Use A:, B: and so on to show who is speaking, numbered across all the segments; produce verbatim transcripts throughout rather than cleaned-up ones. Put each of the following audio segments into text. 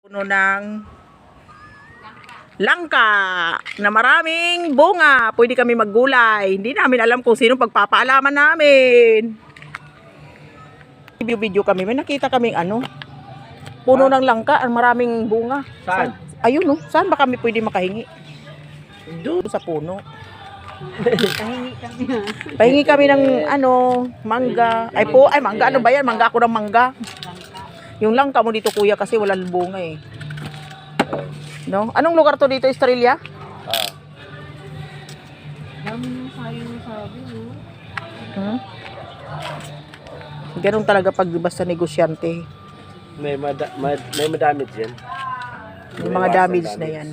A: Puno ng langka na maraming bunga. Pwede kami maggulay. Hindi namin alam kung sino pagpapaalaman namin. Video-video kami. May nakita kaming ano. Puno ng langka. Ang maraming bunga.
B: Saan?
A: Ayun no. Saan ba kami pwede makahingi? Doon sa puno.
C: Pahingi kami ha.
A: Pahingi kami ng ano, mangga. Ay po, ay mangga. Ano ba yan? Mangga ako ng mangga. Yung langka mo dito kuya kasi walang bunga eh. No? Anong lugar to dito, Estrella?
B: Ah.
C: Dami nung sayo nung sabi, no?
A: Hmm? Ganun talaga pag basta negosyante.
B: May, mada, mad, may madamage yan.
A: Yung mga damage na yan.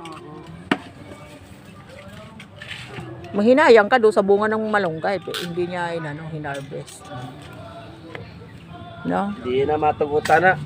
A: Manghinayang ka doon sa bunga ng malunggay. Hindi niya inano, hinarvest. No?
B: Hindi na matugutan na.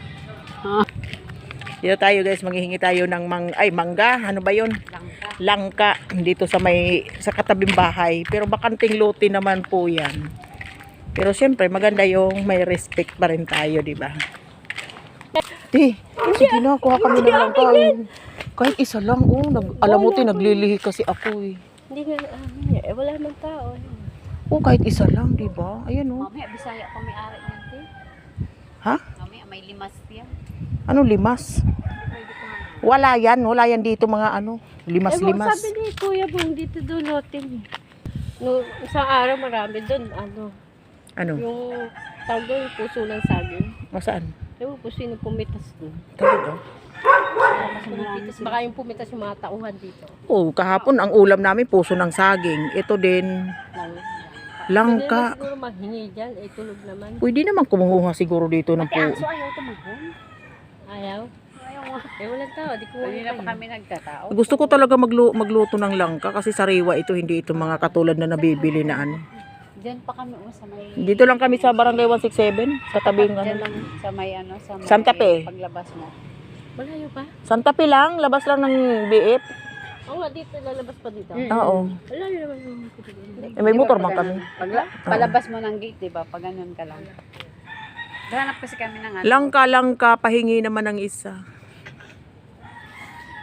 A: Dito tayo guys, maghihingi tayo ng mang ay mangga, ano ba 'yon?
C: Langka.
A: Langka dito sa may sa katabing bahay, pero bakanting lote naman po 'yan. Pero siyempre maganda yung may respect pa rin tayo, di ba? Eh, sige na, kuha kami ng langka. Kahit isa lang, oh, nag, alam mo, naglilihi kasi ako eh.
C: Hindi nga, ah, eh, wala nang tao.
A: Oh, kahit isa lang, di ba? Ayan oh.
C: Mamaya, Bisaya pa may ari niyan, te.
A: Ha?
C: Mamaya, may limas yan.
A: Ano limas?
C: Pwede ko nga.
A: Wala yan, wala yan dito mga ano,
C: Eh,
A: limas-limas.
C: sabi ni Kuya Bong, dito doon lotin. No, isang araw marami doon, ano,
A: Ano?
C: yung tawag doon, puso ng saging.
A: Masaan?
C: Ewan po sino pumitas doon.
A: Talaga?
C: Pumitas, baka yung pumitas yung mga tauhan dito.
A: Oh, kahapon ang ulam namin puso ng saging. Ito din, langka.
C: Hindi na siguro maghingi dyan, eh tulog naman.
A: Pwede naman kumuha siguro dito ng
C: Ate
A: po.
C: Anso, ayaw tumahon. Ayaw? Ayaw nga. Eh walang tao, di ko Kanina pa kami nagkatao.
A: Gusto ko talaga maglu magluto ng langka kasi sariwa ito, hindi ito mga katulad na nabibili na ano.
C: Diyan pa kami oh, sa may...
A: Dito lang kami sa Barangay one sixty-seven, sa tabing ano
C: Diyan
A: lang.
C: lang sa may ano, sa may
A: Santa Fe.
C: paglabas mo. Malayo pa?
A: Santa Fe lang, labas lang ng B F.
C: Oo nga, dito, lalabas pa dito.
A: Oo.
C: Malayo naman yung...
A: Eh, may motor man kami.
D: Pagla, palabas mo ng gate, di ba? Pag ganun ka lang. Hanap kasi kami ng ano.
A: Langka, langka, pahingi naman ng isa.